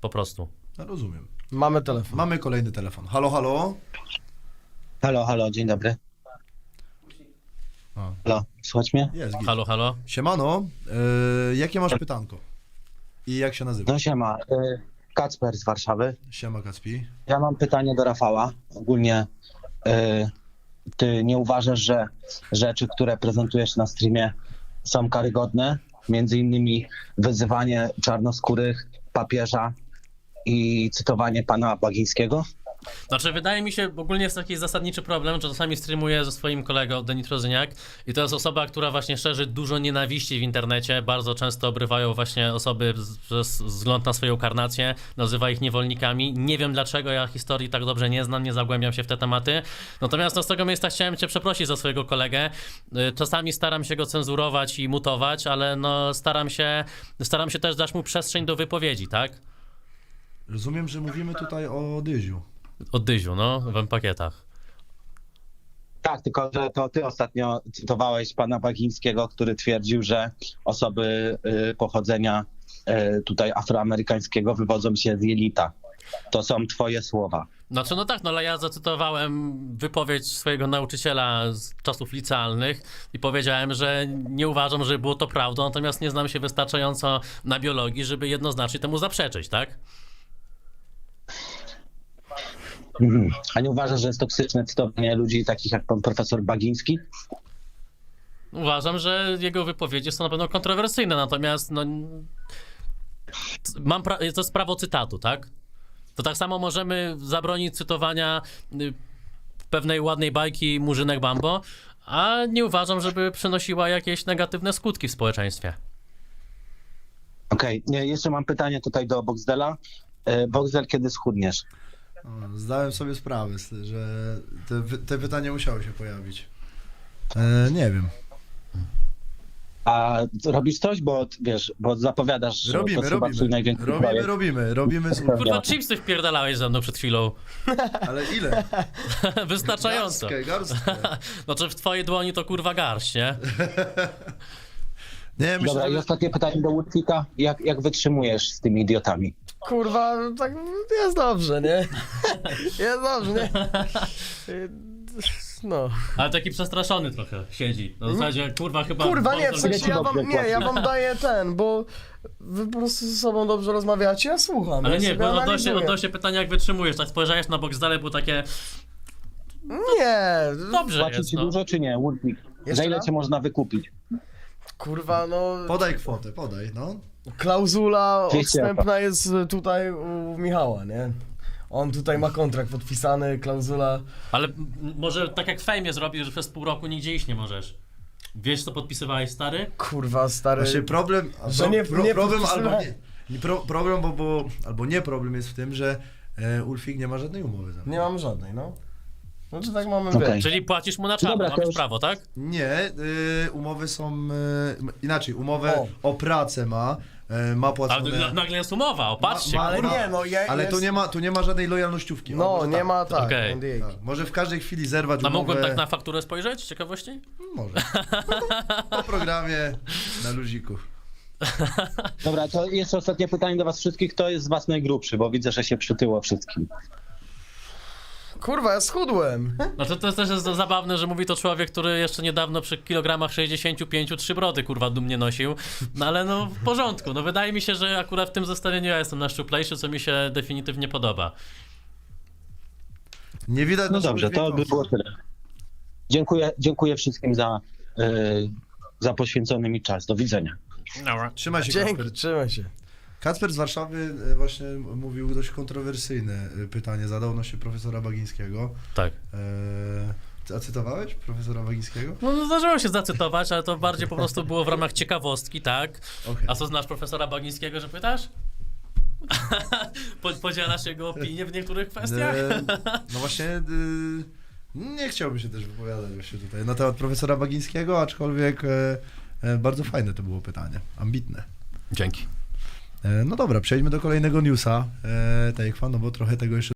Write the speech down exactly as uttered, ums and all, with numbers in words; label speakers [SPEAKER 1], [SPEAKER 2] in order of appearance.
[SPEAKER 1] po prostu.
[SPEAKER 2] No, rozumiem.
[SPEAKER 3] Mamy telefon.
[SPEAKER 2] Mamy kolejny telefon. Halo, halo?
[SPEAKER 4] Halo, halo, dzień dobry.
[SPEAKER 2] A.
[SPEAKER 4] Halo, słuchać mnie?
[SPEAKER 2] Jest, git.
[SPEAKER 1] Halo, halo?
[SPEAKER 2] Siemano, yy, jakie masz pytanko? I jak się nazywa?
[SPEAKER 4] No siema, y, Kacper z Warszawy.
[SPEAKER 2] Siema, Kacpi.
[SPEAKER 4] Ja mam pytanie do Rafała. Ogólnie y, ty nie uważasz, że rzeczy, które prezentujesz na streamie są karygodne? Między innymi wyzywanie czarnoskórych, papieża i cytowanie pana Bagińskiego?
[SPEAKER 1] Znaczy, wydaje mi się, ogólnie jest taki zasadniczy problem, że czasami streamuję ze swoim kolegą Denitrozyniak i to jest osoba, która właśnie szerzy dużo nienawiści w internecie, bardzo często obrywają właśnie osoby przez wzgląd na swoją karnację, nazywa ich niewolnikami. Nie wiem dlaczego, ja historii tak dobrze nie znam, nie zagłębiam się w te tematy. Natomiast no, z tego miejsca chciałem cię przeprosić za swojego kolegę. Czasami staram się go cenzurować i mutować, ale no staram się, staram się też dać mu przestrzeń do wypowiedzi, tak?
[SPEAKER 2] Rozumiem, że mówimy tutaj o Dyziu.
[SPEAKER 1] O Dyziu, no, w M-pakietach.
[SPEAKER 4] Tak, tylko że to ty ostatnio cytowałeś pana Bagińskiego, który twierdził, że osoby y, pochodzenia y, tutaj afroamerykańskiego wywodzą się z jelita. To są twoje słowa.
[SPEAKER 1] Znaczy, no tak, no ale ja zacytowałem wypowiedź swojego nauczyciela z czasów licealnych i powiedziałem, że nie uważam, że było to prawdą, natomiast nie znam się wystarczająco na biologii, żeby jednoznacznie temu zaprzeczyć, tak?
[SPEAKER 4] Mhm. A nie uważasz, że jest toksyczne cytowanie ludzi takich jak pan profesor Bagiński?
[SPEAKER 1] Uważam, że jego wypowiedzi są na pewno kontrowersyjne, natomiast no, mam pra- to jest prawo cytatu, tak? To tak samo możemy zabronić cytowania y, pewnej ładnej bajki Murzynek Bambo, a nie uważam, żeby przynosiła jakieś negatywne skutki w społeczeństwie.
[SPEAKER 4] Okej, okay. Jeszcze mam pytanie tutaj do Boxdela. Y, Boxdel, kiedy schudniesz?
[SPEAKER 2] O, zdałem sobie sprawę, że te, te pytanie musiało się pojawić. E, nie wiem.
[SPEAKER 4] A robisz coś, bo wiesz, bo zapowiadasz, że
[SPEAKER 2] Robimy,
[SPEAKER 4] to chyba twój
[SPEAKER 2] robimy.
[SPEAKER 4] największy
[SPEAKER 2] Robimy,
[SPEAKER 4] projekt.
[SPEAKER 2] robimy, robimy. z-
[SPEAKER 1] Kurwa, chipsy wpierdalałeś ze mną przed chwilą.
[SPEAKER 2] Ale ile?
[SPEAKER 1] Wystarczająco.
[SPEAKER 2] Garstkę, garstkę.
[SPEAKER 1] Znaczy w twojej dłoni to kurwa garść, nie?
[SPEAKER 2] Nie, myślę,
[SPEAKER 4] Dobra, i
[SPEAKER 2] że...
[SPEAKER 4] ostatnie pytanie do Woodfika. Jak, jak wytrzymujesz z tymi idiotami?
[SPEAKER 3] Kurwa, tak jest dobrze, nie? Jest dobrze, nie? No.
[SPEAKER 1] Ale taki przestraszony trochę siedzi. No w zasadzie, kurwa, chyba...
[SPEAKER 3] Kurwa, nie, w
[SPEAKER 1] bardzo-
[SPEAKER 3] sensie ja wam, nie, ja wam daję ten, bo wy po prostu ze sobą dobrze rozmawiacie, ja słucham.
[SPEAKER 1] Ale
[SPEAKER 3] ja
[SPEAKER 1] nie,
[SPEAKER 3] sobie
[SPEAKER 1] bo odnośnie,
[SPEAKER 3] analizuję.
[SPEAKER 1] odnośnie pytania, jak wytrzymujesz, tak spojrzałeś na boks dalej, było takie...
[SPEAKER 3] Nie,
[SPEAKER 1] Dobrze
[SPEAKER 4] Płaci
[SPEAKER 1] jest,
[SPEAKER 4] ci
[SPEAKER 1] no.
[SPEAKER 4] dużo czy nie, Woodfik?
[SPEAKER 3] Jeszcze
[SPEAKER 4] Za ile
[SPEAKER 3] raz?
[SPEAKER 4] cię można wykupić?
[SPEAKER 3] kurwa, no,
[SPEAKER 2] Podaj kwotę, podaj, no.
[SPEAKER 3] klauzula
[SPEAKER 4] dwieście
[SPEAKER 3] odstępna jest tutaj u Michała, nie? On tutaj ma kontrakt podpisany, klauzula...
[SPEAKER 1] Ale m- może tak jak w fejmie zrobisz, że przez pół roku nigdzie iść nie możesz. Wiesz, co podpisywałeś, stary?
[SPEAKER 3] Kurwa, stary...
[SPEAKER 2] Właśnie problem, a
[SPEAKER 3] Że
[SPEAKER 2] pro,
[SPEAKER 3] nie-
[SPEAKER 2] pro,
[SPEAKER 3] nie
[SPEAKER 2] problem albo
[SPEAKER 3] podpisywałem.
[SPEAKER 2] nie, nie pro, problem, bo, bo, albo nie problem jest w tym, że e, Ulfik nie ma żadnej umowy za mną.
[SPEAKER 3] Nie mam żadnej, no. Znaczy tak mamy,
[SPEAKER 4] Okej.
[SPEAKER 3] wiesz.
[SPEAKER 1] Czyli płacisz mu na czarno,
[SPEAKER 4] Dobra, to
[SPEAKER 1] masz
[SPEAKER 4] już-
[SPEAKER 1] prawo, tak?
[SPEAKER 2] Nie, y, umowy są, y, inaczej, umowę
[SPEAKER 3] O.
[SPEAKER 2] o, pracę ma, y, ma
[SPEAKER 1] Ale
[SPEAKER 2] płacone...
[SPEAKER 1] na- nagle jest umowa, opatrzcie.
[SPEAKER 2] Ma- ma-
[SPEAKER 3] Ale
[SPEAKER 1] kurwa.
[SPEAKER 3] nie, no ja
[SPEAKER 2] Ale
[SPEAKER 3] jest...
[SPEAKER 2] tu nie ma, tu nie ma żadnej lojalnościówki. O,
[SPEAKER 3] No,
[SPEAKER 2] może
[SPEAKER 3] nie
[SPEAKER 2] tak,
[SPEAKER 3] ma tak,
[SPEAKER 1] Okej.
[SPEAKER 3] N D A.
[SPEAKER 2] tak. Może w każdej chwili zerwać
[SPEAKER 1] A
[SPEAKER 2] umowę...
[SPEAKER 1] mógłbym tak na fakturę spojrzeć, z ciekawości?
[SPEAKER 2] Może. No, po programie, na luziku.
[SPEAKER 4] Dobra, to jeszcze ostatnie pytanie do was wszystkich. Kto jest z was najgrubszy? Bo widzę, że się przytyło wszystkim.
[SPEAKER 3] Kurwa, ja schudłem.
[SPEAKER 1] Znaczy to jest też jest zabawne, że mówi to człowiek, który jeszcze niedawno przy kilogramach sześćdziesięciu pięciu trzy brody, kurwa, dumnie nosił. No ale no w porządku. No wydaje mi się, że akurat w tym zestawieniu ja jestem najszczuplejszy, co mi się definitywnie podoba.
[SPEAKER 2] Nie widać
[SPEAKER 4] No
[SPEAKER 2] naszego
[SPEAKER 4] dobrze, to by
[SPEAKER 2] dźwiękowca.
[SPEAKER 4] było tyle. Dziękuję, dziękuję wszystkim za, y, za poświęcony mi czas. Do widzenia.
[SPEAKER 1] Dobra.
[SPEAKER 2] Trzymaj się,
[SPEAKER 3] Dzięki,
[SPEAKER 2] Kacper.
[SPEAKER 3] trzymaj się.
[SPEAKER 2] Kacper z Warszawy e, właśnie mówił dość kontrowersyjne e, pytanie, zadał odnośnie profesora Bagińskiego.
[SPEAKER 1] Tak.
[SPEAKER 2] E, a cytowałeś profesora Bagińskiego?
[SPEAKER 1] No, no zdarzyło się zacytować, ale to bardziej po prostu było w ramach ciekawostki, tak?
[SPEAKER 2] Okej.
[SPEAKER 1] A co znasz profesora Bagińskiego, że pytasz? Po- Podzielasz jego opinię w niektórych kwestiach?
[SPEAKER 2] E, no właśnie, e, nie chciałbym się też wypowiadać właśnie tutaj na temat profesora Bagińskiego, aczkolwiek e, e, bardzo fajne to było pytanie, ambitne.
[SPEAKER 1] Dzięki.
[SPEAKER 2] E, no dobra, przejdźmy do kolejnego newsa, e, Tejkwa, no bo trochę tego jeszcze